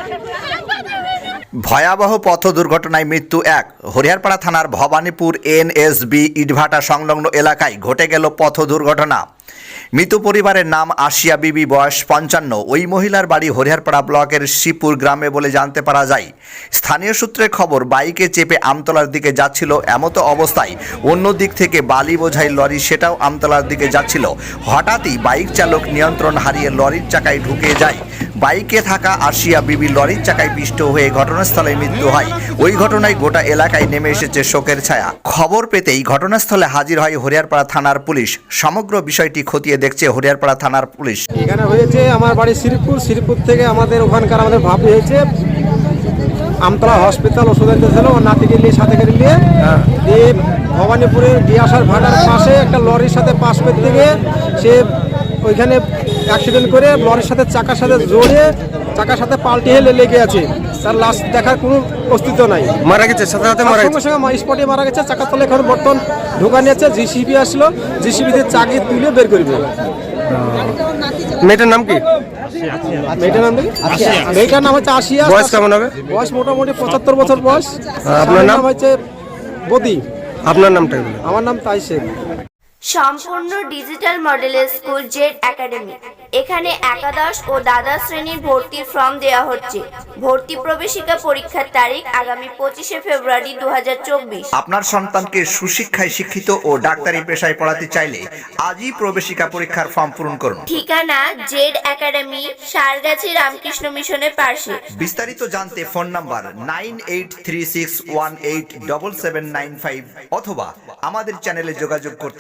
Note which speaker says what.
Speaker 1: ভয়াবহ পথ দুর্ঘটনায় মৃত্যু এক। হরিহরপাড়া থানার ভবানীপুর এনএসবি ইটভাটা সংলগ্ন এলাকায় ঘটে গেল পথ দুর্ঘটনা। মৃত পরিবারের নাম আশিয়া বিবি, বয়স 55। ওই মহিলার বাড়ি হরিহরপাড়া ব্লকের শিবপুর গ্রামে বলে জানতে পারা যায়। স্থানীয় সূত্রের খবর, বাইকে চেপে আমতলার দিকে যাচ্ছিল। এমতো অবস্থায় অন্য দিক থেকে বালি বোঝাই লরি, সেটাও আমতলার দিকে যাচ্ছিল। হঠাৎই বাইক চালক নিয়ন্ত্রণ হারিয়ে লরির চাকায় ঢুকে যায়। বাইকে থাকা আশিয়া বিবি লরির চাকায় পিষ্ট হয়ে ঘটনাস্থলে মৃত্যু হয়। ওই ঘটনায় গোটা এলাকায় নেমে এসেছে শোকের ছায়া। খবর পেতেই ঘটনাস্থলে হাজির হয় হরিহরপাড়া থানার পুলিশ। সমগ্র বিষয়টি খতিয়ে দেখছে হরিহরপাড়া থানার পুলিশ।
Speaker 2: এখানে হয়েছে আমার বাড়ি শ্রীপুর থেকে আমাদের ভাবি হয়েছে আমতলা হসপিটাল ওষুধ আনতে ছিল, ওর নাতিকে নিয়ে সাথে করে নিয়ে দিয়ে ভবানীপুরের গিয়াসার ভাটার পাশে একটা লরির সাথে পাশ করতে গিয়ে সে ওইখানে অ্যাক্সিডেন্ট করে লরির সাথে চাকার সাথে জড়িয়ে চাকার সাথে পাল্টি হেলে লেগে আছে। তার লাশ দেখার কোনো অস্তিত্ব নাই,
Speaker 3: মারা গেছে সাথে সাথে
Speaker 2: সঙ্গে সঙ্গে স্পটে মারা গেছে। চাকার তলে এখন বর্তমান ঢোকা নিয়েছে, জিসিবি আসলো, জিসিবিতে চাকি তুলে বের করবে।
Speaker 3: মেয়েটার নাম কি?
Speaker 2: মেয়েটার নাম হচ্ছে আশিয়া।
Speaker 3: বয়স কেমন হবে?
Speaker 2: বয়স মোটামুটি 75 বছর বয়স।
Speaker 3: আপনার নাম?
Speaker 2: হচ্ছে বদি।
Speaker 3: আপনার নামটা?
Speaker 2: আমার নাম তাইশেখ।
Speaker 4: সম্পূর্ণ ডিজিটাল মডেলের স্কুল জেড একাডেমি। এখানে একাদশ ও দ্বাদশ শ্রেণীর ভর্তির ফর্ম দেওয়া হচ্ছে। ভর্তি প্রবেশিকা পরীক্ষার তারিখ আগামী 25শে ফেব্রুয়ারি 2024।
Speaker 1: আপনার সন্তানকে সুশিক্ষায় শিক্ষিত ও ডাক্তারি পেশায় পড়াতে চাইলে আজই প্রবেশিকা পরীক্ষার ফর্ম পূরণ করুন।
Speaker 4: ঠিকানা জেড একাডেমি, সারগাছি রামকৃষ্ণ মিশনের পাশে।
Speaker 1: বিস্তারিত জানতে ফোন নাম্বার 9836187795 অথবা আমাদের চ্যানেলে যোগাযোগ করতে